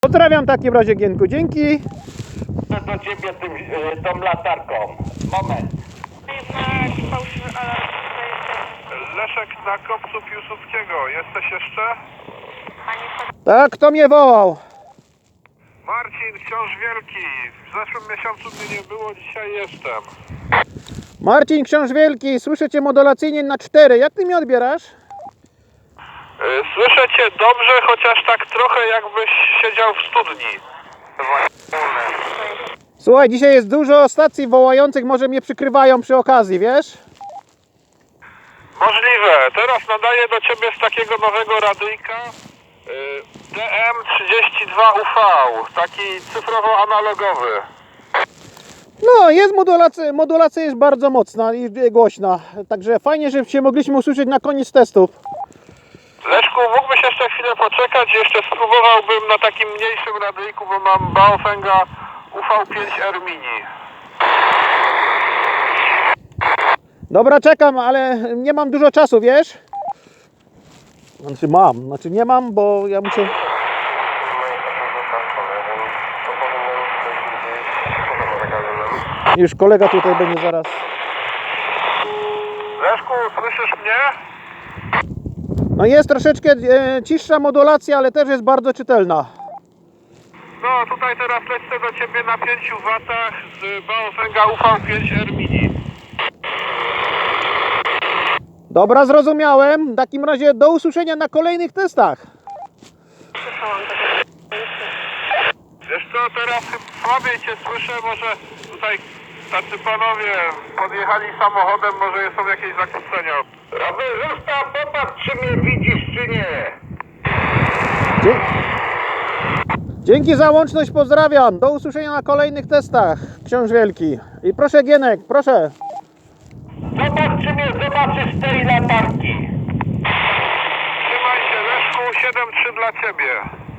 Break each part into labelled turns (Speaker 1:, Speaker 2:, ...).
Speaker 1: Pozdrawiam w takim razie, Gienku, dzięki.
Speaker 2: Do ciebie tą latarką. Moment.
Speaker 3: Leszek na kopcu Piłsudskiego. Jesteś jeszcze?
Speaker 1: Tak, kto mnie wołał?
Speaker 3: Marcin, Książ Wielki. W zeszłym miesiącu mnie nie było, dzisiaj jestem.
Speaker 1: Marcin, Książ Wielki, słyszę Cię modulacyjnie na 4. Jak Ty mnie odbierasz?
Speaker 3: Słyszę cię dobrze, chociaż tak trochę jakbyś siedział w studni.
Speaker 1: Słuchaj, dzisiaj jest dużo stacji wołających, może mnie przykrywają przy okazji, wiesz?
Speaker 3: Możliwe. Teraz nadaję do ciebie z takiego nowego radyjka DM32UV. Taki cyfrowo-analogowy.
Speaker 1: No, jest modulacja jest bardzo mocna i głośna. Także fajnie, że się mogliśmy usłyszeć na koniec testów.
Speaker 3: Leszku, mógłbyś jeszcze chwilę poczekać? Jeszcze spróbowałbym na takim mniejszym radyjku, bo mam Baofenga UV5R Mini.
Speaker 1: Dobra, czekam, ale nie mam dużo czasu, wiesz? Znaczy nie mam, bo ja muszę... Już kolega tutaj będzie zaraz.
Speaker 3: Leszku, słyszysz mnie?
Speaker 1: No jest troszeczkę ciszsza modulacja, ale też jest bardzo czytelna.
Speaker 3: No, tutaj teraz lecę do ciebie na 5 W z Baofenga UV5R Mini.
Speaker 1: Dobra, zrozumiałem. W takim razie do usłyszenia na kolejnych testach.
Speaker 3: Wiesz co, teraz słabiej cię słyszę, może tutaj tacy panowie podjechali samochodem, może są jakieś zakłócenia.
Speaker 2: Rowerzysta, popatrz, czy mnie widzisz, czy nie.
Speaker 1: Dzięki za łączność, pozdrawiam. Do usłyszenia na kolejnych testach, Książ Wielki. I proszę, Gienek, proszę.
Speaker 2: Zobacz, czy mnie zobaczysz z tej latarki.
Speaker 3: Trzymaj się, Leszku, 7-3 dla ciebie.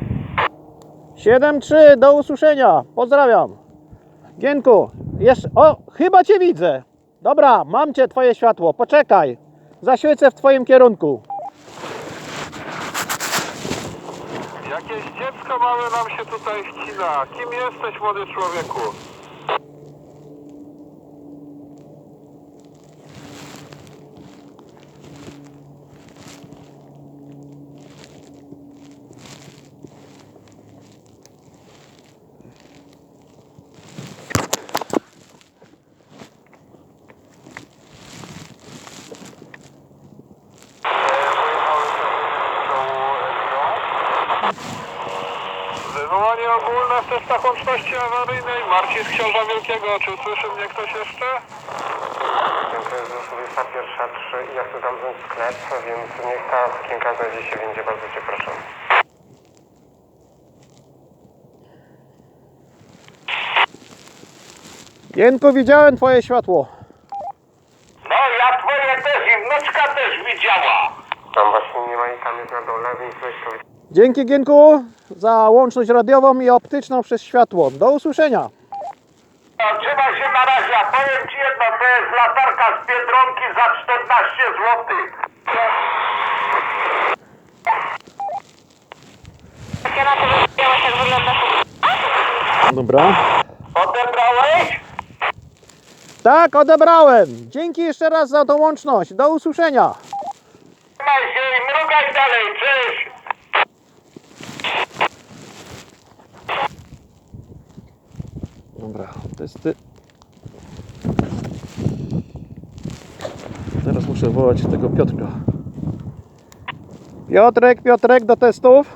Speaker 1: 7-3, do usłyszenia. Pozdrawiam. Gienku, jeszcze... O, chyba Cię widzę. Dobra, mam Cię, Twoje światło. Poczekaj. Zaświecę w Twoim kierunku.
Speaker 3: Jakieś dziecko małe nam się tutaj wcina. Kim jesteś, młody człowieku? Wywołanie ogólne w testach łączności awaryjnej. Marcin z Książa Wielkiego. Czy słyszy mnie ktoś jeszcze?
Speaker 4: To jest już 21:03 i ja chcę zamknąć sklep, więc niech ta sukienka znajdzie się windzie, bardzo Cię proszę.
Speaker 1: Gienku, widziałem Twoje światło.
Speaker 2: No, ja twoje też i wnuczka też widziała.
Speaker 4: Tam właśnie nie ma i tam jest na dole, więc weź to...
Speaker 1: Dzięki, Gienku, za łączność radiową i optyczną przez światło. Do usłyszenia.
Speaker 2: No, trzymaj się na razie, a powiem ci jedno, to jest latarka z Biedronki za 14 zł.
Speaker 5: Ja na to wiedziałaś, jak wygląda.
Speaker 1: Dobra.
Speaker 2: Odebrałeś?
Speaker 1: Tak, odebrałem. Dzięki jeszcze raz za tą łączność. Do usłyszenia.
Speaker 2: Trzymaj się i mrugaj dalej, cześć.
Speaker 1: Dobra, testy. Teraz muszę wołać tego Piotrka. Piotrek, do testów.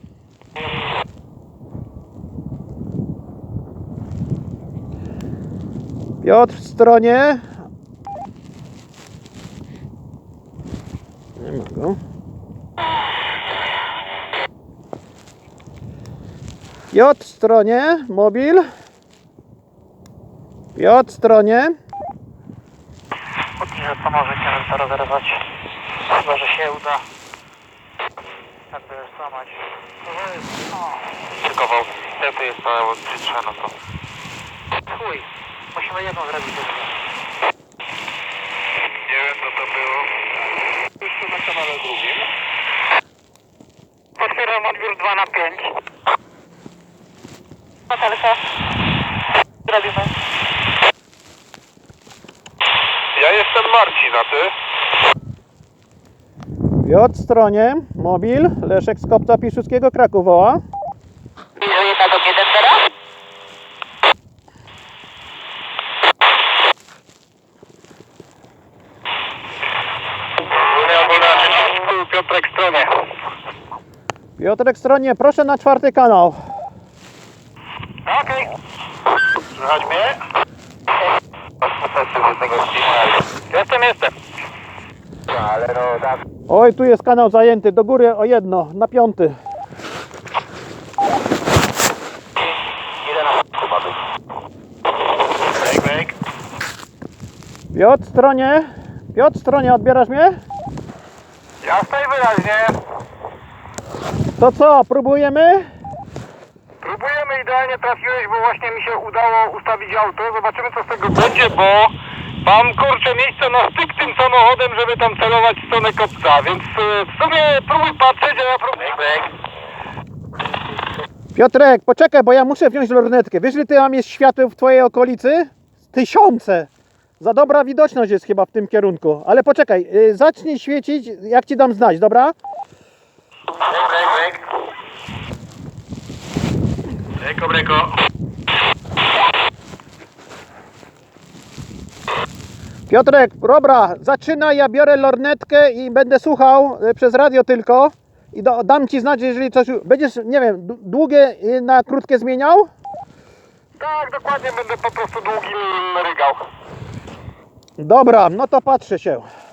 Speaker 1: Piotr w stronie. Nie ma go. Piotr w stronie, mobil. Piotr w stronie.
Speaker 6: Póki że pomożecie nam to rozerwać. Chyba, że się uda. Jakby złamać.
Speaker 3: Tylko to jest całe odczytrze, no to...
Speaker 6: Chuj, musimy jedną zrobić.
Speaker 3: Nie wiem, co to było. Jeszcze na kanale drugim.
Speaker 6: Potwierdzam odbiór 2 na 5.
Speaker 5: Hotelka. Robimy.
Speaker 3: Ja jestem Marcin, a ty?
Speaker 1: Piotr, stronie, mobil, Leszek z Kopca Piłsudskiego, Kraków woła.
Speaker 5: Bliżej 1 do 1 teraz.
Speaker 3: Piotrek Stronie.
Speaker 1: Piotrek, stronie, proszę na 4. kanał.
Speaker 3: Okej. Słychać mnie? Jestem.
Speaker 4: Ale no, tak.
Speaker 1: Oj, tu jest kanał zajęty, do góry o 1, na 5.
Speaker 4: Ile na p***u ma być?
Speaker 3: Break.
Speaker 1: Piotr, stronie, odbierasz mnie?
Speaker 3: Jasno i wyraźnie.
Speaker 1: To co, próbujemy?
Speaker 3: Próbujemy, idealnie trafiłeś, bo właśnie mi się udało ustawić auto. Zobaczymy, co z tego będzie, bo mam, kurczę, miejsce na styk tym samochodem, żeby tam celować w stronę kopca, więc w sumie próbuj patrzeć, a ja próbuję.
Speaker 1: Piotrek, poczekaj, bo ja muszę wziąć lornetkę. Wiesz, ile ty tam jest świateł w twojej okolicy? 1000. Za dobra widoczność jest chyba w tym kierunku. Ale poczekaj, zacznij świecić, jak ci dam znać, dobra?
Speaker 3: Breko.
Speaker 1: Piotrek, dobra, zaczynaj, ja biorę lornetkę i będę słuchał przez radio tylko. I dam ci znać, jeżeli coś... Będziesz, nie wiem, długie na krótkie zmieniał?
Speaker 3: Tak, dokładnie, będę po prostu długim rygał.
Speaker 1: Dobra, no to patrzę się.